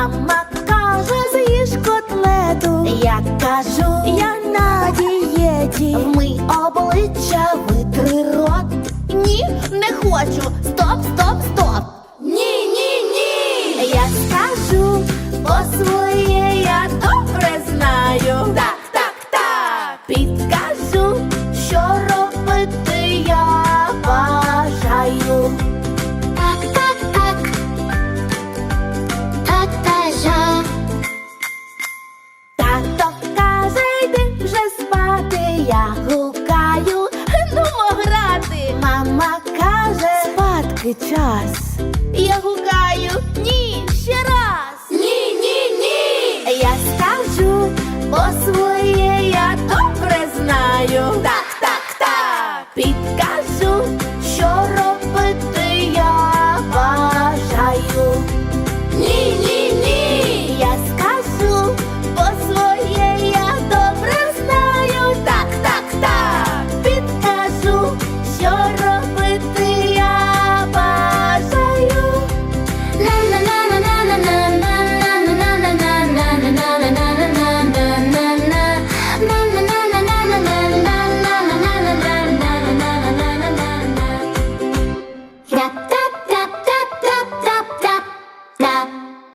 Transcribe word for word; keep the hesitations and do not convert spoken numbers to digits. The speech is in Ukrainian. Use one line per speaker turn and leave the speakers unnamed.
Мама каже, з'їж котлету. Я кажу, я на дієті. Вмий обличчя, витри рот. Ні, не хочу. Стоп, стоп, стоп. Ні, ні, ні. Я скажу, по своє я добре знаю. Так, так, так. Підкажу, що робити я бажаю.
Так, так, так. Так бажаю.
Тато каже, йди вже спати. Я гукаю, нумо грати. Мама каже, спадки час. Я гукаю, ні, ще раз. Ні, ні, ні. Я скажу, бо своє я добре знаю. Так, так, так. Підкажу,